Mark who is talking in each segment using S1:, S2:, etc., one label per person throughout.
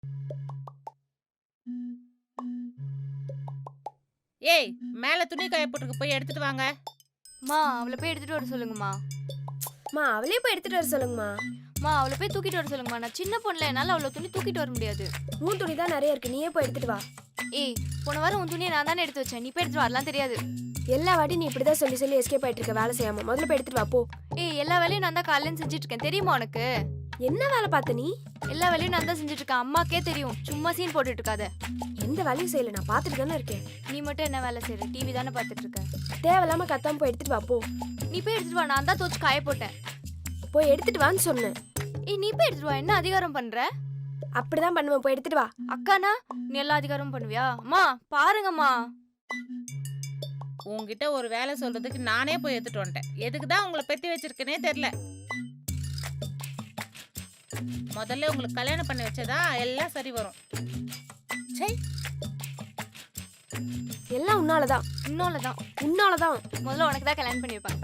S1: ஏய், மேல துணி காய போட்டுருக்கு, போய் எடுத்துட்டு வாங்க.
S2: மா அவளை போய் எடுத்துட்டு வர சொல்லுங்கம்மா.
S3: மா அவளே போய் எடுத்துட்டு வர சொல்லுங்கம்மா.
S2: மா அவளை போய் தூக்கிட்டு வர சொல்லுங்கம்மா. நான் சின்ன பொண்ணுல என்னால அவ்வளோ துணி தூக்கிட்டு வர முடியாது.
S3: உன் துணி தான் நிறைய இருக்கு, நீயே போய் எடுத்துட்டு வா.
S2: ஏய், போன வாரம் உன் துணியை நான் தானே எடுத்து வச்சேன். நீ போய் எடுத்துட்டு வரலாம் தெரியாது.
S3: எல்லா வாட்டி நீ இப்படிதான் சொல்லி சொல்லி எஸ்கேப் ஆயிட்டு இருக்க, வேலை செய்யாம. முதல்ல போய் எடுத்துட்டு வா போ.
S2: ஏய், எல்லா வேலையும் நான் தான் காலையில செஞ்சுட்டு இருக்கேன், தெரியுமா உனக்கு?
S3: என்ன வேலை பார்த்த நீ?
S2: எல்லா வேலையும் நான் தான் செஞ்சுட்டு இருக்கேன், அம்மாக்கே தெரியும். சும்மா சீன் போட்டுட்டு இருக்காத.
S3: எந்த வேலையும் செய்யல, நான் பார்த்துட்டு தானே இருக்கேன்.
S2: நீ மட்டும் என்ன வேலை செய்யற? டிவி தானே பார்த்துட்டு இருக்க.
S3: தேவையில்லாம கத்தாம போய் எடுத்துட்டு வா போ.
S2: நீ போய் எடுத்துட்டு வா, நான் தான் தோச்சு காய போட்டேன்.
S3: போய் எடுத்துட்டு வான்னு சொன்னேன்.
S2: ஏய், நீ போய் எடுத்துட்டு வா. என்ன அதிகாரம் பண்ற?
S3: அப்படிதான் பண்ணுவேன், போய் எடுத்துட்டு வா.
S2: அக்கானா நீ எல்லா அதிகாரமும் பண்ணுவியா? அம்மா பாருங்கம்மா.
S1: உன்கிட்ட ஒரு வேலை சொல்றதுக்கு நானே போய் எடுத்துட்டு வந்துட்டேன். எதுக்கு தான் உங்களை பெத்தி வச்சிருக்கேனே தெரியல. முதல்ல உங்களுக்கு கல்யாணம் பண்ணி வச்சதா எல்லாம் சரி வரும். சரி,
S3: எல்லாம் உன்னாலதான்,
S2: இன்னொல்லதான்.
S3: உன்னாலதான்.
S2: முதல்ல உனக்கு தான் கல்யாணம் பண்ணி வைப்பாங்க.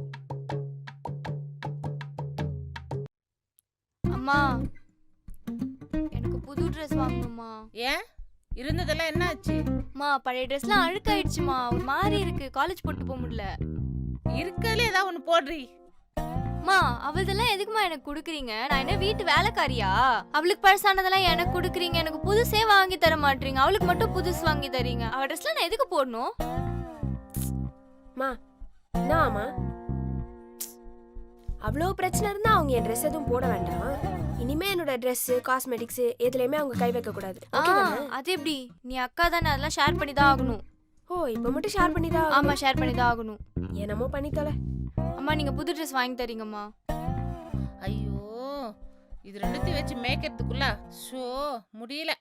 S2: அம்மா, எனக்கு புது ட்ரெஸ் வாங்கணும்மா.
S1: ஏன் இருந்ததெல்லாம் என்ன ஆச்சு?
S2: அம்மா, பழைய ட்ரெஸ்லாம் அழுக்காயிடுச்சுமா, ஒரு மாதிரி இருக்கு. காலேஜ் போட்டு போக முடியல.
S1: இருக்கல ஏதாவது ஒண்ணு போடுறி.
S2: அம்மா, அவள்தெல்லாம் எதுக்குமா எனக்கு கொடுக்குறீங்க? நான் என்ன வீட்டு வேலைக்காரியா? அவளுக்கு பழசானதெல்லாம் எனக்கு கொடுக்குறீங்க, எனக்கு புதுசே வாங்கி தர மாட்டீங்க. அவளுக்கு மட்டும் புதுசு வாங்கி தரீங்க. அவள் ட்ரெஸ்லாம் நான் எதுக்கு போடணும்?
S3: மா என்னம்மா, அவ்வளோ பிரச்சனை இருந்தா அவங்க என் ட்ரெஸ் எதுவும் போட வேண்டாம். இனிமே என்னோட ட்ரெஸ், காஸ்மெட்டிக்ஸ் எதுலையுமே அவங்க கை வைக்க கூடாது.
S2: அது எப்படி? நீ அக்கா தானே, அதெல்லாம் ஷேர் பண்ணி தான் ஆகணும்.
S3: ஓ, இப்ப மட்டும் ஷேர் பண்ணிதான்?
S2: ஆமா, ஷேர் பண்ணி தான் ஆகணும்.
S3: என்னமோ பண்ணி தொலை.
S2: அம்மா, நீங்க புது ட்ரெஸ் வாங்கி தரீங்கம்மா.
S1: ஐயோ, இது ரெண்டுத்தையும் வச்சு மேய்க்கிறதுக்குள்ள ஷோ முடியல.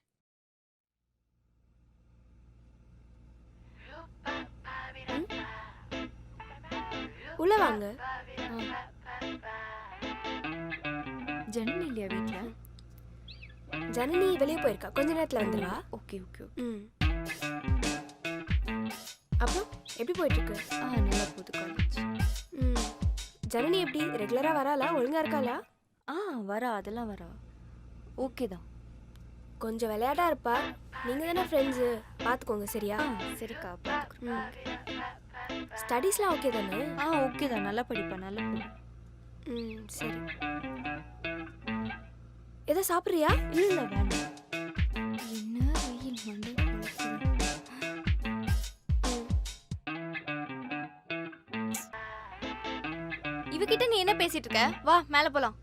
S3: உள்ள வாங்க.
S2: ஜனனி இல்லையா வீட்ல?
S3: ஜனனி வெளியே போயிருக்கா, கொஞ்ச நேரத்துல வந்துருவா.
S2: Okay okay.
S3: அப்புறம் எப்படி போயிட்டு இருக்கு?
S2: நல்லா போகுது காலேஜ்.
S3: ஜனனி எப்படி ரெகுலரா வராளா, ஒழுங்கா இருக்காளா?
S2: வரா, அதெல்லாம் வரா. ஓகே தான்.
S3: கொஞ்சம் விளையாட்டா இருப்பா. நீங்க தானே ஃப்ரெண்ட்ஸு, பார்த்துக்கோங்க சரியா?
S2: சரிக்கா, பார்த்துக்கிறேன்.
S3: ஸ்டடீஸ்லாம் ஓகே தானே?
S2: ஓகே தான், நல்லா படிப்பா, நல்லா படி.
S3: சரி. எதை சாப்பிட்றியா?
S2: இல்லை வேண்டாம். என்ன வெயில் மண்டை கொளுத்துது. இவகிட்ட நீ என்ன பேசிட்டு இருக்க? வா மேல போலாம்.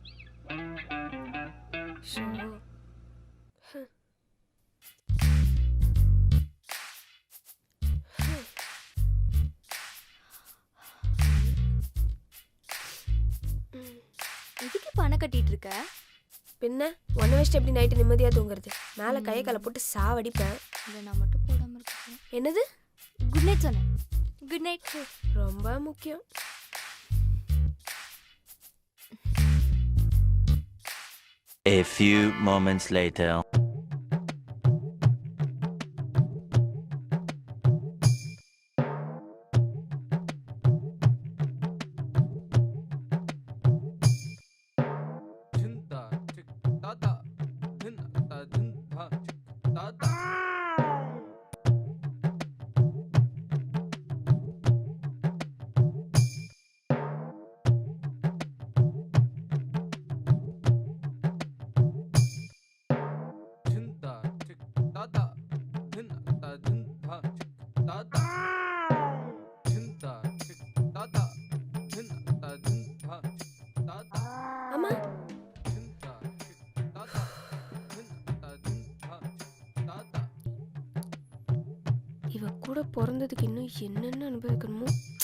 S2: இதுக்கு பண கட்டிட்டு இருக்க?
S3: பின்ன ஒன்றை வச்சுட்டு எப்படி நைட்டு நிம்மதியாக தூங்குறது? மேலே கையை காலை போட்டு சாவடிப்பேன்.
S2: இல்லை, நான் மட்டும் போடாமல் இருக்கேன்.
S3: என்னது?
S2: குட் நைட் சொன்னேன். Good night.
S3: ரொம்ப முக்கியம்.
S4: A few moments later.
S3: அம்மா, இவ கூட பிறந்ததுக்கு இன்னும் என்னென்ன அனுபவிக்கணுமோ.